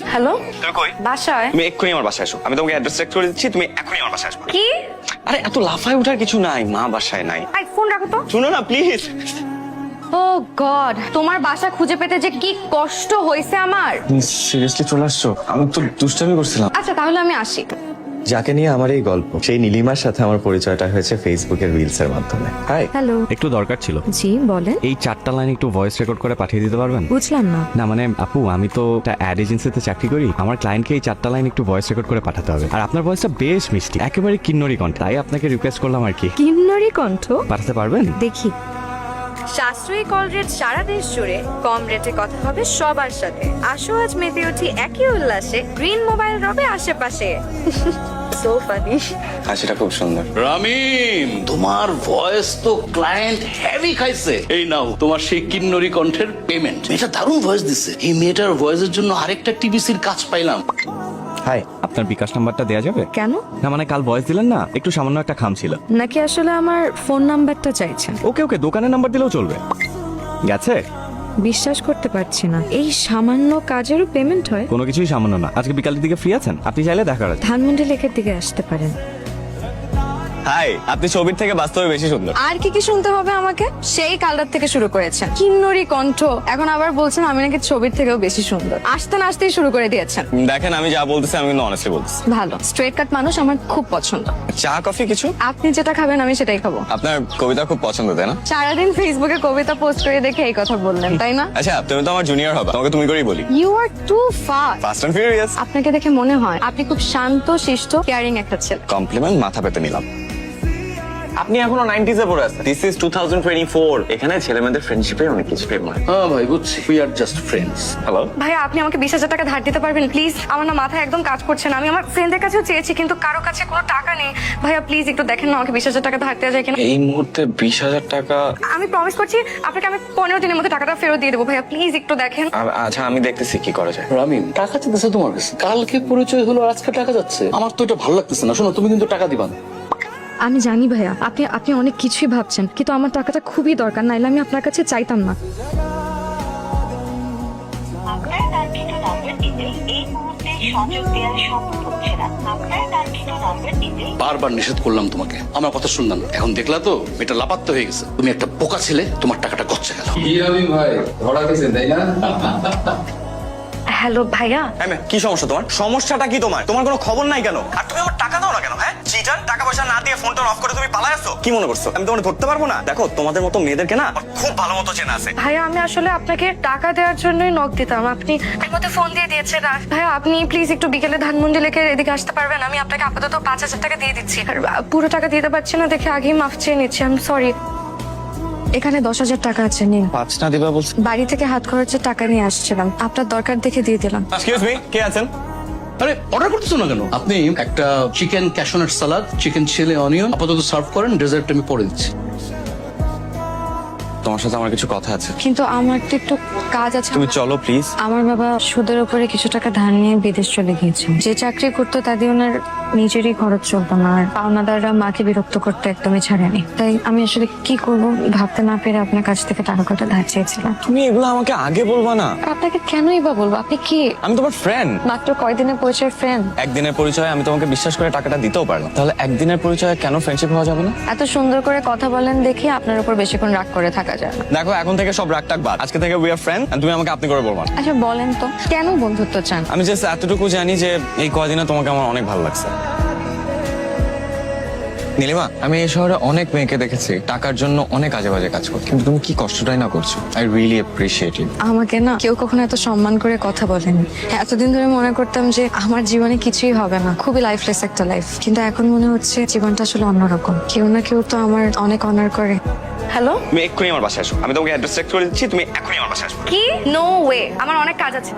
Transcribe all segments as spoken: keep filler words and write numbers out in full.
Hello, তুমি কই? বাসায়। তুমি এক্ষুনি আমার বাসায় এসো, আমি তোমাকে অ্যাড্রেস চেক করে দিচ্ছি, তুমি এক্ষুনি আমার বাসায় আসবে। কি? আরে এত লাফায় ওঠার কিছু নাই, মা বাসায় নাই। আই ফোন রাখো তো। শুনো না প্লিজ। ও গড, তোমার বাসা খুঁজে পেতে যে কি কষ্ট হয়েছে আমার। সিরিয়াসলি চলে আসছো? আমি তো দুষ্টামি করছিলাম। আচ্ছা তাহলে আমি আসি। যাকে নিয়ে আমার এই গল্প, সেই নীলিমার সাথে আমার পরিচয়টা হয়েছে ফেসবুকের রিলস এর মাধ্যমে। হাই। হ্যালো। একটু দরকার ছিল। জি বলেন। এই চারটা লাইন একটু ভয়েস রেকর্ড করে পাঠিয়ে দিতে পারবেন? বুঝলাম না। না মানে আপু, আমি তো একটা অ্যাড এজেন্সিতে চাকরি করি। আমার ক্লায়েন্টকে এই চারটা লাইন একটু ভয়েস রেকর্ড করে পাঠাতে হবে। আর আপনার ভয়েসটা বেশ মিষ্টি, একেবারে কিন্নরি কণ্ঠ, তাই আপনাকে রিকোয়েস্ট করলাম আর কি। কিন্নরি কণ্ঠ? পাঠাতে পারবেন? দেখি। সাশ্রয়ী কল রেট সারা দেশ জুড়ে, কম রেটে কথা হবে সবার সাথে। আসো আজ মেতে উঠি একই উল্লাসে, গ্রিন মোবাইল রবে আশেপাশে। So funny. হাসিটা খুব সুন্দর। রামিম, তোমার ভয়েস তো ক্লায়েন্ট হেভি খাইছে। এই নাও তোমার সেই কিন্নরি কণ্ঠের পেমেন্ট। এটা দারুণ ভয়েস দিছে। এই মেয়েটার ভয়েসের জন্য আরেকটা টিভিসির কাজ পাইলাম। হাই। আপনার বিকাশ নাম্বারটা দেওয়া যাবে? কেন? না মানে কাল ভয়েস দিলেন না, একটু সামান্য একটা খাম ছিল। নাকি আসলে আমার ফোন নাম্বারটা চাইছেন? ওকে ওকে, দোকানের নাম্বার দিলেও চলবে। গেছে? বিশ্বাস করতে পারছি না, এই সামান্য কাজেরও পেমেন্ট হয়? কোনো কিছুই সামান্য না। আজকে বিকালের দিকে ফ্রি আছেন? আপনি চাইলে দেখা করা যায়। ধানমন্ডি লেকের দিকে আসতে পারেন। হাই, আপনি ছবির থেকে বাস্তবে বেশি সুন্দর। আর কি কি শুনতে হবে আমাকে? সেই কালটার থেকে শুরু করেছেন কিন্নরি কণ্ঠ, এখন আবার বলছেন আমি নাকি ছবির থেকেও বেশি সুন্দর। আসতে না আসতেই শুরু করে দিয়েছেন। দেখেন, আমি যা বলতেছি আমি কিন্তু অনেস্টলি বলতেছি। ভালো স্ট্রেট কাট মানুষ আমার খুব পছন্দ। চা কফি কিছু? আপনি যেটা খাবেন আমি সেটাই খাবো। আপনার কবিতা খুব পছন্দ, তাই না? সারাদিন ফেসবুকে কবিতা পোস্ট করে দেখে এই কথা বললেন, তাই না? আচ্ছা, তুমি তো আমার জুনিয়র হবে, তোমাকে তুমি করেই বলি। You are too fast. Fast and furious. আপনাকে দেখে মনে হয় আপনি খুব শান্ত শিষ্ট কেয়ারিং একটা ছেলে। কমপ্লিমেন্ট মাথা পেতে নিলাম। আপনি এখনো নাইনটিজে পড়ে আছেন। This is two thousand twenty four. এখানে ছেলে মেয়েদের ফ্রেন্ডশিপে অনেক কিছু প্রেম হয়। হ্যাঁ ভাই, বুঝছি। We are just friends. Hello. ভাইয়া আপনি আমাকে বিশ হাজার টাকা ধার দিতে পারবেন প্লিজ? আমার না মাথায় একদম কাজ করছে না। আমি আমার ফ্রেন্ডের কাছেও চেয়েছি কিন্তু কারো কাছে কোনো টাকা নেই। ভাইয়া প্লিজ একটু দেখেন না আমাকে বিশ হাজার টাকা ধার দেওয়া যায় কিনা। এই মুহূর্তে বিশ হাজার টাকা? আমি প্রমিস করছি আপনাকে আমি পনেরো দিনের মধ্যে টাকাটা ফেরত দিয়ে দেবো। ভাইয়া প্লিজ একটু দেখেন। আ- আচ্ছা, আমি দেখতেছি কি করা যায়। রামিম, টাকা চাইতেছে তোমার কাছে। কালকে পরিচয় হলো আর আজকে টাকা যাচ্ছে। আমার তো এটা ভালো লাগতেছে না। শোনো, তুমি কিন্তু টাকা দিবা না। আমি জানি ভাইয়া আপনি আপনি অনেক কিছুই ভাবছেন, কিন্তু আমার টাকাটা খুবই দরকার, নাইলে আমি আপনার কাছে চাইতাম না। আপনার নামকৃত নম্বরটিতে এই মুহূর্তে সংযোগ দেওয়া সম্ভব হচ্ছে না। আপনার নামকৃত নম্বরটিতে বারবার নিষেধ করলাম তোমাকে, আমার কথা শুনলাম না। এখন দেখলা তো এটা লাপাত্তা হয়ে গেছে। তুমি একটা বোকা ছেলে, তোমার টাকাটা গচ্ছে গেল। আমি ভাই ধরা গেছে তাই না? হ্যালো ভাইয়া। হ্যাঁ ম্যাম, কি সমস্যা তোমার? সমস্যাটা কি তোমার? তোমার কোনো খবর নাই কেন? আর তুমি আমার টাকা দাও না কেন? হ্যাঁ চিটার, টাকা পয়সা না দিয়ে ফোনটা অফ করে তুমি পালায় আসছো। কি মনে করছো আমি তোমাকে ধরতে পারবো না? দেখো, তোমাদের মতো মেয়েদেরকে না আমার খুব ভালো মতো চেনা আছে। ভাইয়া আমি আসলে আপনাকে টাকা দেওয়ার জন্যই নক দিতাম, আপনি এর মধ্যে ফোন দিয়ে দিয়েছেন। আর ভাইয়া আপনি প্লিজ একটু বিকেলে ধানমন্ডি লেকের এদিকে আসতে পারবেন? আমি আপনাকে আপাতত পাঁচ হাজার টাকা দিয়ে দিচ্ছি। আর পুরো টাকা দিতে পারছি না দেখে আগেই মাফ চেয়ে নিচ্ছি, আই এম সরি। এখানে দশ হাজার টাকা আছে, নিন। পাঁচ না দিবা বলছো? বাড়ি থেকে হাত খরচের টাকা নিয়ে আসছিলাম, আপনার দরকার দেখে দিয়ে দিলাম। এক্সকিউজ মি, কে আছেন? আরে অর্ডার করতেছো না কেন? আপনি একটা chicken cashew nut salad, chicken chilli onion আপাতত সার্ভ করেন। ডেজার্ট আমি পরে দিচ্ছি। তোমার সাথে আমার কিছু কথা আছে। কিন্তু আমার তো একটু কাজ আছে। তুমি চলো প্লিজ। আমার বাবা সুদের উপরে কিছু টাকা ধার নিয়ে বিদেশ চলে গিয়েছে। যে চাকরি করতো তা দিয়ে ওনার নিজেরই খরচ চলতো না, আর পাওনাদাররা মাকে বিরক্ত করতে একদমই ছাড়েনি। তাই আমি আসলে কি করব ভাবতে না পেরে আপনার কাছ থেকে টাকা কটা ধার চেয়েছিলাম। তুমি এগুলো আমাকে আগে বলবা না। আর আপনাকে কেনই বা বলবো? আপনি কি? আমি তোমার ফ্রেন্ড। মাত্র কয়দিনের পরিচয় ফ্রেন্ড। একদিনের পরিচয় আমি তোমাকে বিশ্বাস করে টাকাটা দিতেও পারলাম, তাহলে একদিনের পরিচয় কেন ফ্রেন্ডশিপ হওয়া যাবে না? এত সুন্দর করে কথা বলেন দেখি আপনার উপর বেশিক্ষণ রাগ করে থাকা যায় না। দেখো, এখন থেকে সব রাগ টাক বাদ। আজকে থেকে উই আর ফ্রেন্ড, তুমি আমাকে আপনি করে বলবা না। আচ্ছা বলেন তো কেন বন্ধুত্ব চান? আমি জাস্ট এতটুকু জানি যে এই কয়দিনে তোমাকে আমার অনেক ভালো লাগছে। নীলিমা, আমি এই শহরে অনেক মেয়েকে দেখেছি টাকার জন্য অনেক আজে বাজে কাজ করতে, কিন্তু তুমি কি কষ্টটাই না করছো। I really appreciate it. আমাকে না কেউ কখনো এত সম্মান করে কথা বলেনি। এতদিন ধরে মনে করতাম যে আমার জীবনে কিছুই হবে না, খুবই লাইফলেস একটা লাইফ, কিন্তু এখন মনে হচ্ছে জীবনটা আসলে অন্যরকম। কেউ না কেউ তো আমার অনেক অনার করে। হ্যালো। তুমি এক্ষুনি আমার বাসায় আসো, আমি তোমাকে অ্যাড্রেস চেক করে দিচ্ছি, তুমি এক্ষুনি আমার বাসায় আসো। কি? নো ওয়ে, আমার অনেক কাজ আছে।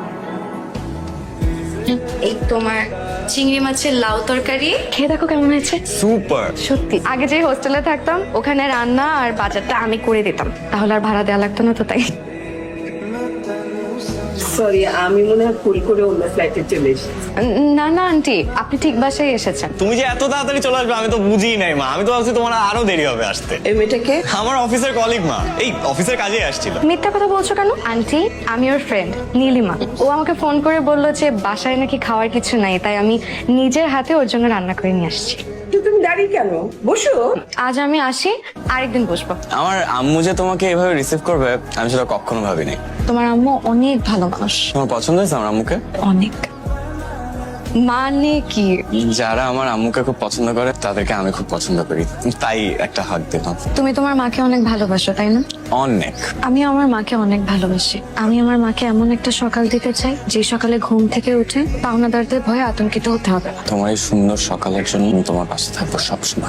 এই তোমার চিংড়ি মাছের লাউ তরকারি খেয়ে দেখো কেমন হয়েছে। সুপার। সত্যি আগে যে হোস্টেলে থাকতাম ওখানে রান্না আর বাজারটা আমি করে দিতাম, তাহলে আর ভাড়া দেওয়া লাগতো না, তো তাই সরি আমি মনে হয় ভুল করে অন্য ফ্লাইটে চলে এসেছি। না না আন্টি, আপনি ঠিক বাসায় এসেছেন। তুমি যে এত তাড়াতাড়ি চলে আসবে আমি তো বুঝিই নাই মা। আমি তো ভাবছি তোমার আরো দেরি হবে আসতে। এই মেয়েটাকে আমার অফিসের কলিগ মা, এই অফিসের কাজে আসছিল। মিথ্যা কথা বলছো কেন আন্টি? আমি ওর ফ্রেন্ড নীলিমা। ও আমাকে ফোন করে বললো যে বাসায় নাকি খাওয়ার কিছু নাই, তাই আমি নিজের হাতে ওর জন্য রান্না করে নিয়ে আসছি। তো তুমি দাঁড়িয়ে কেন, বসো। আজ আমি আসি, আরেকদিন বসবো। আমার আম্মু যে তোমাকে এভাবে রিসিভ করবে আমি সেটা কখনো ভাবিনি। তোমার আম্মু অনেক ভালো মানুষ। তোমার পছন্দ হয়েছে আমার আম্মুকে? অনেক। মানে কি? যারা আমার আম্মুকে খুব পছন্দ করে তাদেরকে আমি খুব পছন্দ করি, তাই একটা হাত দিলাম। তুমি তোমার মাকে অনেক ভালোবাসো তাই না? অনেক। আমি আমার মাকে অনেক ভালোবাসি। আমি আমার মাকে এমন একটা সকাল দিতে চাই যে সকালে ঘুম থেকে উঠে পাওনাদারদের ভয়ে আতঙ্কিত হতে হবে না। তোমার এই সুন্দর সকালের জন্য আমি তোমার পাশে থাকবো সবসময়।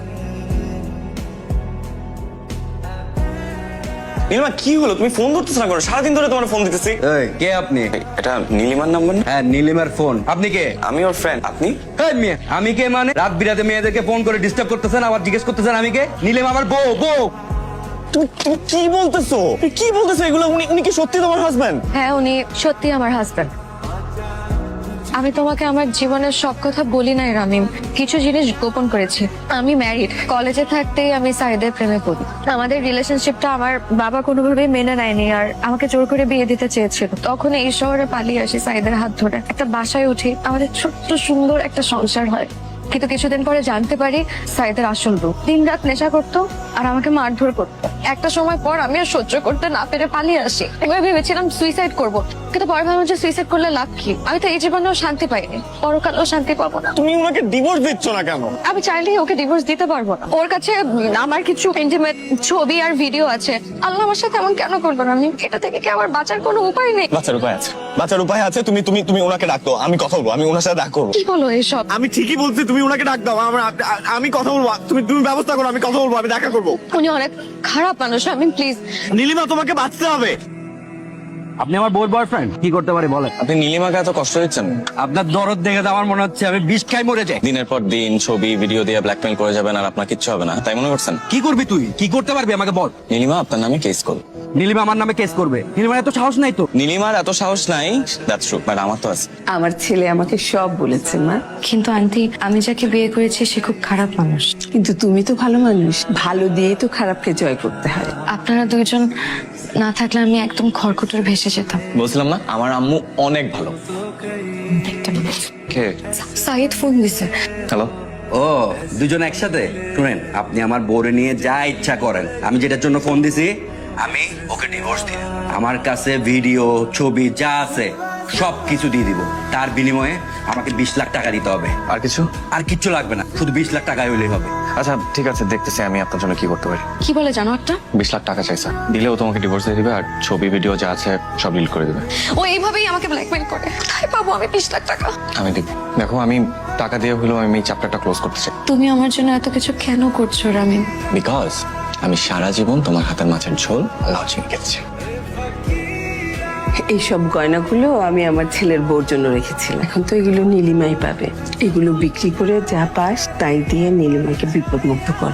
নীলিমা কি হলো? তুমি ফোন ধরতেছ না কেন? সারাদিন ধরে তোমার ফোন দিতেছি। এই, কে আপনি? এটা নীলিমার নাম্বার না? হ্যাঁ, নীলিমার ফোন। আপনি কে? আমি ওর ফ্রেন্ড। আপনি? এই মেয়ে, আমি কে মানে? রাত বিরাতে মেয়েদেরকে ফোন করে ডিস্টার্ব করতেছেন, আবার জিজ্ঞেস করতেছেন আমি কে? নীলিমা আমার বউ। বউ তুমি তুমি কি বলতেছো? তুমি কি বলতেছো এগুলো? উনি উনি কি সত্যি তোমার হাজবেন্ড? হ্যাঁ, উনি সত্যি আমার হাজবেন্ড। আমি তোমাকে আমার জীবনের সব কথা বলি নাই রামিম, কিছু জিনিস গোপন করেছি। আমি ম্যারিড। কলেজে থাকতেই আমি সাইদের প্রেমে পড়ি। আমাদের রিলেশনশিপটা আমার বাবা কোনোভাবেই মেনে নেয়নি, আর আমাকে জোর করে বিয়ে দিতে চেয়েছিল। তখন এই শহরে পালিয়ে আসি সাইদের হাত ধরে, একটা বাসায় উঠি, আমাদের ছোট্ট সুন্দর একটা সংসার হয়। কিন্তু কিছুদিন পরে জানতে পারি সাইদের আসল রূপ। দিন রাত নেশা করতো আর আমাকে মারধর করতো। একটা সময় পর আমি আর সহ্য করতে না পেরে পালিয়ে আসি। এবার ভেবেছিলাম সুইসাইড করব, কিন্তু পরে ভাবলাম যে সুইসাইড করলে লাভ কি? আমি তো এই জীবনেও শান্তি পাইনি, পরকালেও শান্তি পাবো না। তুমি ওনাকে ডিভোর্স দিচ্ছ না কেন? আমি চাইলেই ওকে ডিভোর্স দিতে পারবো না। ওর কাছে আমার কিছু ইন্টিমেট ছবি আর ভিডিও আছে। আল্লাহ আমার সাথে এমন কেন করবো না? আমি এটা থেকে কি আমার বাঁচার কোনো উপায় নেই? বাচ্চার উপায় আছে, বাচ্চার উপায় আছে। তুমি তুমি তুমি ওনাকে ডাকো, আমি কথা বলবো, আমি ওনার সাথে দেখা করবো। কি বলো এসব? আমি ঠিকই বলছি, তুমি ওনাকে ডাক দাও, আমার আমি কথা বলবো। তুমি তুমি ব্যবস্থা করো, আমি কথা বলবো, আমি দেখা করবো। উনি অনেক খারাপ মানুষ, আমি প্লিজ। নীলিমা তোমাকে বাঁচতে হবে। আপনি আমার বউর বয়ফ্রেন্ড, কি করতে পারি বলেন? আপনি নীলিমাকে এত কষ্ট দিচ্ছেন? আপনার দরদ দেখে তো আমার মনে হচ্ছে আমি বিষ খাই মরে যাই। দিনের পর দিন ছবি ভিডিও দিয়ে ব্ল্যাকমেল করে যাবেন আর আপনার কিচ্ছু হবে না, তাই মনে করছেন? কি করবি তুই? কি করতে পারবি আমাকে বল। নীলিমা আপনার নামে কেস করবে। নীলিমা আমার নামে কেস করবে? নীলিমার এত সাহস নাই তো। নীলিমার এত সাহস নাই, দ্যাটস ট্রু, বাট আমার তো আছে। আমার ছেলে আমাকে সব বলেছে মা, কিন্তু আন্টি, আমি যাকে বিয়ে করেছি সে খুব খারাপ মানুষ। কিন্তু তুমি তো ভালো মানুষ, ভালো দিয়ে তো খারাপকে জয় করতে হয়। আপনারা দুইজন না থাকলে আমি একদম খড়কুটোর ভেসে যেতাম। বলছিলাম না আমার আম্মু অনেক ভালো। একটা মিনিট। কে? সাইদ ফোন দিছে। হ্যালো। ও, দুজন একসাথে? শুনেন, আপনি আমার বউরে নিয়ে যা ইচ্ছা করেন। আমি যেটার জন্য ফোন দিছি, আমি ওকে ডিভোর্স দিই। আমার কাছে ভিডিও ছবি যা আছে সব কিছু দিয়ে দিব। তার বিনিময়ে আমাকে বিশ লাখ টাকা দিতে হবে। আর কিছু? আর কিচ্ছু লাগবে না, শুধু বিশ লাখ টাকা হইলেই হবে। আচ্ছা ঠিক আছে, দেখতেছি আমি আপনার জন্য কি করতে পারি। কি বলে জানো একটা? বিশ লাখ টাকা চাইছে, দিলেও তোমাকে ডিভোর্স দিয়ে দিবে আর ছবি ভিডিও যা আছে সব ডিলিট করে দিবে। ও এইভাবেই আমাকে ব্ল্যাকমেল করে। কোথায় পাবো আমি বিশ লাখ টাকা? আমি দেব। দেখো আমি টাকা দিয়ে হলেও আমি এই চ্যাপ্টারটা ক্লোজ করতে চাই। তুমি আমার জন্য এত কিছু কেন করছো রামিন? বিকজ আমি সারা জীবন তোমার হাতের মাছের ঝোল লজিং খেতেছি। এইসব গয়নাগুলো আমি আমার ছেলের বউর জন্য রেখেছিলাম, এখন তো এগুলো নীলিমাই পাবে। এগুলো বিক্রি করে যা পাস তাই দিয়ে নীলিমাকে বিপদ মুক্ত কর।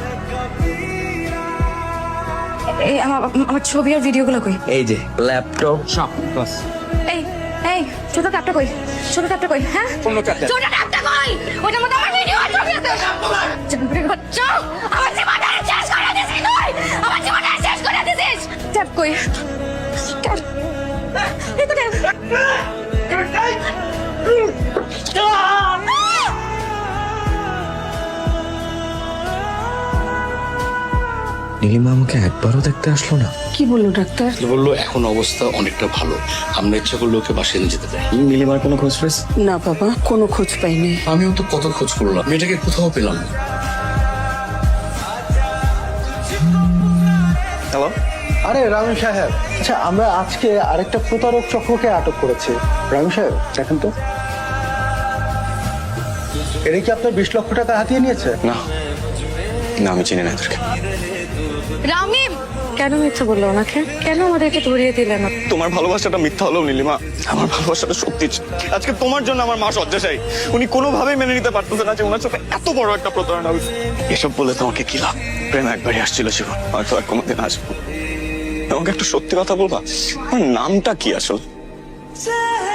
এই আমার আমার ছবি আর ভিডিওগুলো কই? এই যে ল্যাপটপ সব বাস। এই এই ছোট ট্যাপটা কই? ছোট ট্যাপটা কই? হ্যাঁ, কোন ট্যাপটা? ছোট ট্যাপটা কই? ওটার মধ্যে আমার ভিডিও আর ছবি আছে। জানবরে বাচ্চা, আমার জীবনটা শেষ করে দিছিস তুই। আমার জীবনটা শেষ করে দিছিস। ট্যাপ কই? ট্যাপ। এই তো ট্যাপ। নীলিমা আমাকে একবারও দেখতে আসলো না। কি বললো ডাক্তার? বললো এখন অবস্থা অনেকটা ভালো, আমরা ইচ্ছা করলে ওকে বাসায় নিয়ে যেতে চাই। নীলিমার কোনো খোঁজ পেয়েছ? না বাবা, কোনো খোঁজ পাইনি। আমিও তো কত খোঁজ করলাম, মেয়েটাকে কোথাও পেলাম না। হ্যালো। আরে রামি সাহেব, আচ্ছা আমরা আজকে আরেকটা প্রতারক চক্রকে আটক করেছি। রামি সাহেব দেখেন তো, এরা কি আপনার বিশ লক্ষ টাকা হাতিয়ে নিয়েছে? না না, আমি চিনি না এদেরকে। রামিম কেন মিথ্যা বললো ওনাকে? কেন আমাদেরকে ধরিয়ে দিলেন না? তোমার ভালোবাসাটা মিথ্যা হলো নীলিমা, আমার ভালোবাসাটা সত্যি ছিল। আজকে তোমার জন্য আমার মা শয্যাশায়ী। উনি কোনোভাবেই মেনে নিতে পারতেছে না যে ওনার সাথে এত বড় একটা প্রতারণা হয়েছে। এসব বলে তোমাকে কি লাভ? প্রেম একবারই আসছিল জীবন, হয়তো আর কোনোদিন আসবো। তোমাকে একটা সত্যি কথা বলবা, আমার নামটা কি আসল? चाहे